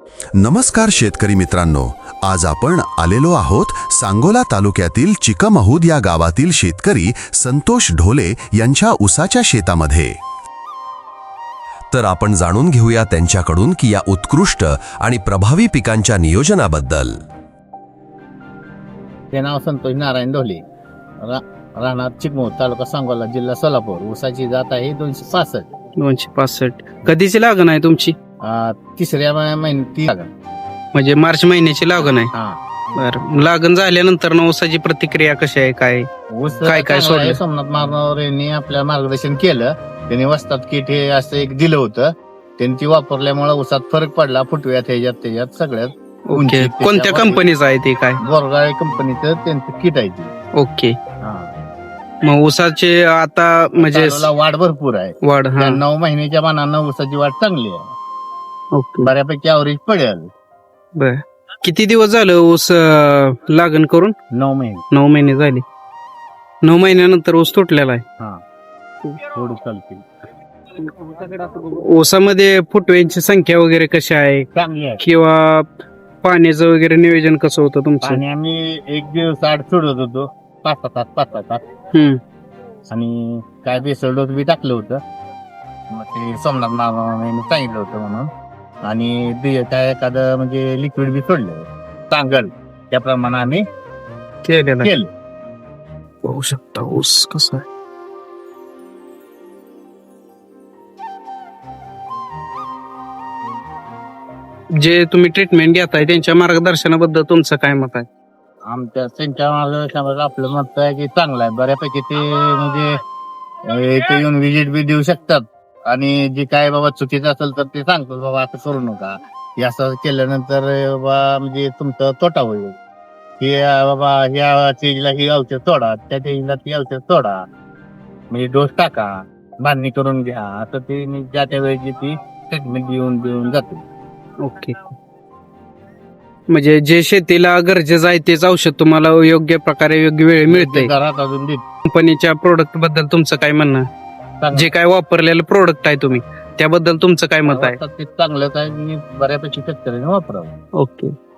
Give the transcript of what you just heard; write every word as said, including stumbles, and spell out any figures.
नमस्कार शेतकरी मित्रांनो, आज आपण आलेलो आहोत सांगोला तालुक्यातील चिकमहूद या गावातील शेतकरी संतोष ढोले यांच्या ऊसाच्या शेतामध्ये. तर आपण जाणून घेऊया त्यांच्याकडून की या उत्कृष्ट आणि प्रभावी पिकांच्या नियोजनाबद्दल. ते नाव संतोष नारायण ढोले, रा, राहणार चिकमहूद, तालुका सांगोला, जिल्हा सोलापूर. ऊसाची जात आहे दोनशे पासष्ट. दोनशे पासष्ट कधीची लागण आहे तुमची? आ, तिसऱ्या महिन्यात ती लागण. म्हणजे मार्च महिन्याची लागण आहे. हा. बरं, लागण झाल्यानंतर ना ऊसाची प्रतिक्रिया कशी आहे? काय ऊस काय काय चांगला आहे. सोडलं? सोमनाथ मारणावर यांनी आपल्या मार्गदर्शन केलं. त्यांनी वस्तात किट हे असं एक दिलं होतं. त्यांनी ती वापरल्यामुळे ऊसात फरक पडला. फुटव्यात ह्याच्यात त्याच्यात सगळ्यात. ओके, उंचीत कोणत्या त्याच्या कंपनीचं आहे ते? काय बोरगाळे कंपनीचं त्यांचं किट आहे ती. ओके. हा. मग ऊसाचे आता म्हणजे चालूला वाढ भरपूर आहे. वाढ हा त्या नऊ महिन्याच्या मानानं ऊसाची वाढ चांगली आहे. ओके. बऱ्यापैकी अवरेज पडेल. बर, किती दिवस झालं ऊस अं, लागण करून? नऊ महिने. नऊ महिने झाले. नऊ महिन्यानंतर ऊस तुटलेला आहे. हा. थोडी चालते. ऊसामध्ये फुटव्यांची संख्या वगैरे कशी आहे चांगली आहे. किंवा पाण्याचं वगैरे नियोजन कसं होतं तुमचं? आणि आम्ही एक दिवस आड सोडत होतो, पाच सहा तास पाच सहा तास. हम्म. आणि काय बेसल डोस बी टाकलं होतं. मग ते सोमनाथ मामाने सांगितलं होतं म्हणून. आणि बी- काय एखादं म्हणजे लिक्विड बी सोडलं चांगल, त्याप्रमाणे आम्ही केलेलं आहे. केलं. पाहू शकता ऊस कसा आहे. जे तुम्ही ट्रीटमेंट घेताय त्यांच्या मार्गदर्शनाबद्दल तुमचं काय मत आहे? आमच्या त्यांच्या मार्गदर्शनाबद्दल आपलं मत आहे की चांगलं आहे. बऱ्यापैकी ते म्हणजे अं, इथे येऊन विजिट बी देऊ शकतात. आणि जे काय बाबा चुकीचं असेल तर ते सांगतो, बाबा असं करू नका, हे असं केल्यानंतर बाबा म्हणजे तुमचा तोटा होईल. हे अं, बाबा ह्या स्टेजला ही औषध सोडा, त्या स्टेजला ती औषध सोडा, म्हणजे डोस टाका, बांधणी करून घ्या, असं ते मी ज्या त्या वेळेची ती ट्रीटमेंट देऊन देऊन जाते. ओके. म्हणजे जे शेतीला गरजेचं आहे तेच औषध तुम्हाला योग्य प्रकारे योग्य वेळ मिळते. घरात अजून देत. कंपनीच्या प्रोडक्ट बद्दल तुमचं काय म्हणणं आहे? जे काय वापरलेलं प्रोडक्ट आहे तुम्ही त्याबद्दल तुमचं काय मत आहे? ते चांगलंच आहे, मी बऱ्यापैकी शेतकऱ्यांनी वापरावं. ओके.